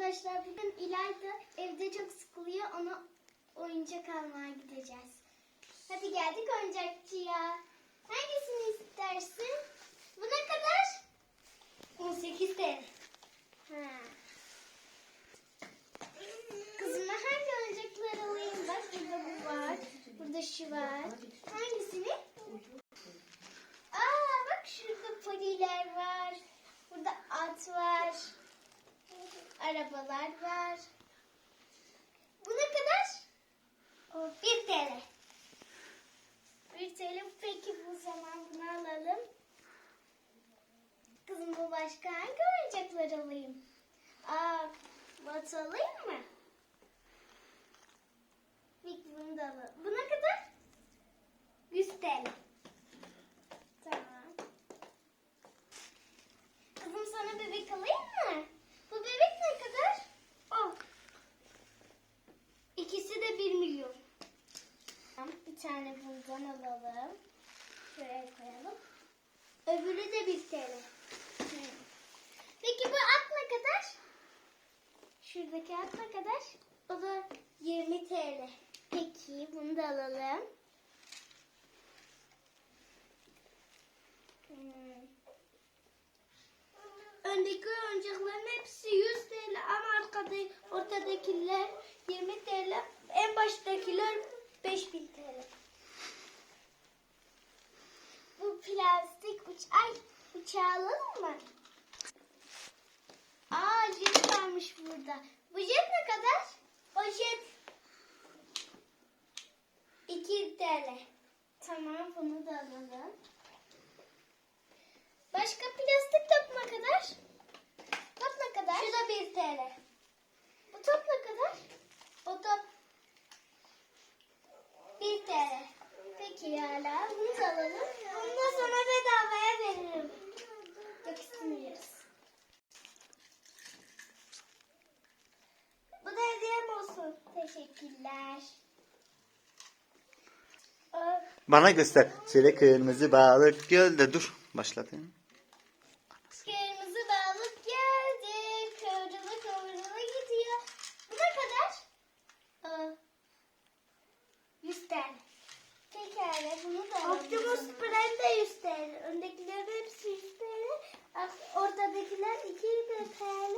Arkadaşlar bugün İlayda evde çok sıkılıyor. Ona oyuncak almaya gideceğiz. Hadi geldik oyuncakçıya. Hangisini istersin? Bu ne kadar? 18 TL. Kızıma hangi oyuncaklar alayım? Bak burada bu var. Burada şu var. Hangisini? Bak şurada poliler var. Burada at var. Arabalar var. Bu ne kadar? 1 TL. 1 TL. Peki bu zaman bunu alalım. Kızım bu başka hangi oyuncaklar alayım? Bat alayım mı? Peki bunu da alalım. Bu ne kadar? 100 TL. Tamam. Kızım sana bebek alayım mı? Bu bebek ne kadar? 10. İkisi de 1 milyon. Bir tane bundan alalım. Şuraya koyalım. Öbürü de 1 TL. Peki bu at ne kadar? Şuradaki at ne kadar? O da 20 TL. Peki bunu da alalım. Öndeki oyuncakların hepsi 100 TL ama ortadakiler 20 TL. En baştakiler 5000 TL. Bu plastik uçağı alalım mı? Jet varmış burada. Bu jet ne kadar? O jet 2 TL. Tamam bunu da alalım. Başka plastik top ne kadar? Top ne kadar? Şu da 1 TL. Bu top ne kadar? O top 1 TL. Peki hala bunu da alalım. Bunu da sana bedavaya veririm. Yok istemiyoruz. Bu da hediyem olsun. Teşekkürler. Bana göster. Şöyle kırmızı balık gölde dur. Başlatayım. Kırmızı balık geldi. Kıvrıla kıvrıla gidiyor. Bu ne kadar? 100 TL. Pekala bunu da alalım. Optimus Prime de 100 TL. Öndekilerin hepsi 100 TL. Ortadakiler 2 TL.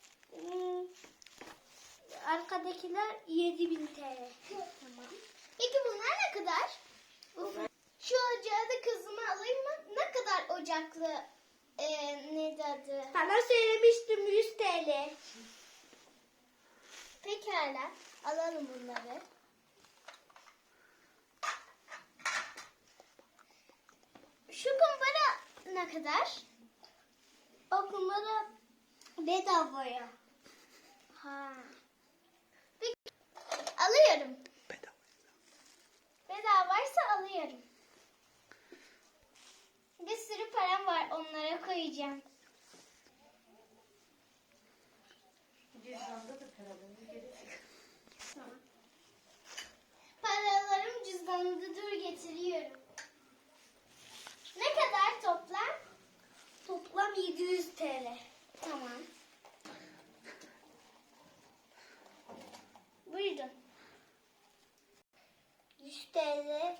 Arkadakiler 7000 TL. Tamam. Peki bunlar ne kadar? Şu ocağı da kızıma alayım mı? Ne kadar ocaklı? Neydi adı? Sana söylemiştim 100 TL. Pekala. Alalım bunları. Şu kumbara ne kadar? O kumbara bedavaya. Peki. Alıyorum. Bedavaysa alıyorum. Bir sürü param var, onlara koyacağım. Cüzdanda da paralarını gelecek. Tamam. Paralarım cüzdanımda dur getiriyorum. Ne kadar toplam? Toplam 700 TL. Tamam. Buyurun. 100 TL.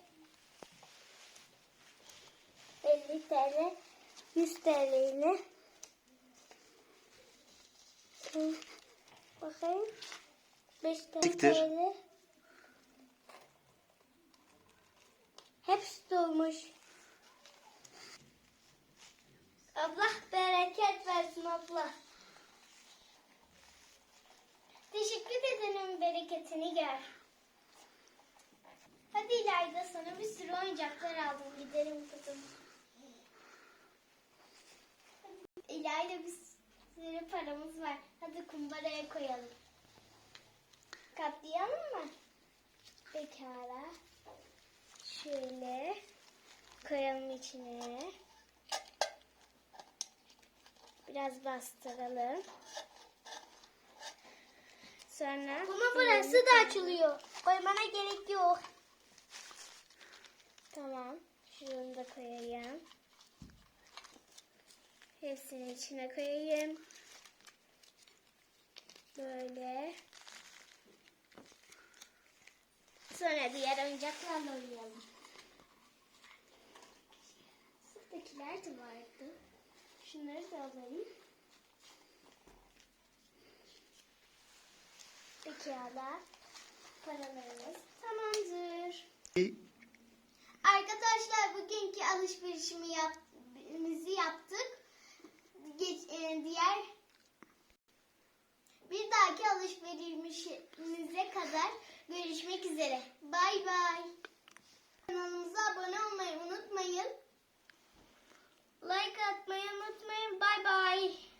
50 TL. 100 TL ile. Bakayım. 5 Siktir. TL. Hepsi dolmuş. Allah bereket versin abla. Teşekkür ederim, bereketini gör. Hadi İlayda, sana bir sürü oyuncaklar aldım. Gidelim kızım. İlayda bir sürü paramız var. Hadi kumbaraya koyalım. Katlayalım mı? Pekala. Şöyle koyalım içine. Biraz bastıralım. Sonra... Ama burası da açılıyor. Koymana gerek yok. Tamam. Şunu da koyayım. Hepsini içine koyayım. Böyle. Sonra diğer oyuncaklarla oynayalım. Buradakiler de vardı. Şunları da alayım. Pekala. Paralarımız tamamdır. Arkadaşlar bugünkü alışverişimizi yaptık. Bir dahaki alışverişimize kadar görüşmek üzere. Bay bay. Kanalımıza abone olmayı unutmayın. Like atmayı unutmayın. Bay bay.